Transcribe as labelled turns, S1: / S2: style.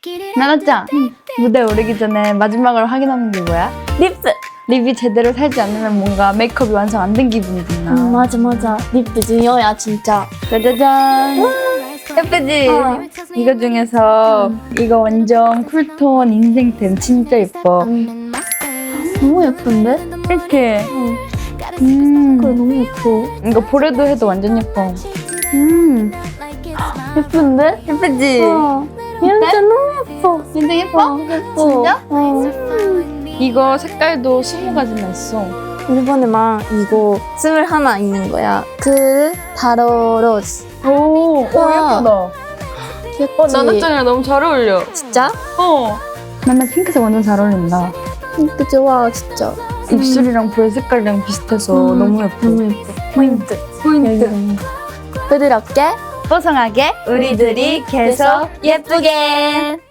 S1: 나나짱, 무대 오르기 전에 마지막으로 확인하는 게 뭐야?
S2: 립스!
S1: 립이 제대로 살지 않으면 뭔가 메이크업이 완성 안 된 기분이 드나?
S2: 맞아. 립스 중요야, 진짜.
S1: 짜자잔! 예쁘지? 이거 중에서 이거 완전 쿨톤 인생템 진짜 예뻐.
S2: 너무 예쁜데?
S1: 이렇게.
S2: 그래, 너무 예뻐.
S1: 이거 볼에도 해도 완전 예뻐.
S2: 예쁜데?
S1: 예쁘지?
S2: 진짜 너무 예뻐.
S1: 진짜 예뻐?
S2: 예뻐.
S1: 진짜? 이거 색깔도 20가지나 있어.
S2: 일본에만 이거 21 있는 거야. 그 다로 로즈.
S1: 오,
S2: 우와.
S1: 예쁘다.
S2: 귀엽지?
S1: 나나짱이랑 너무 잘 어울려.
S2: 진짜?
S1: 나나 핑크색 완전 잘 어울린다.
S2: 핑크 좋아, 진짜.
S1: 입술이랑 볼 색깔이랑 비슷해서 너무 예뻐.
S2: 너무 예뻐. 포인트. 부드럽게
S1: 뽀송하게 우리들이 계속 예쁘게.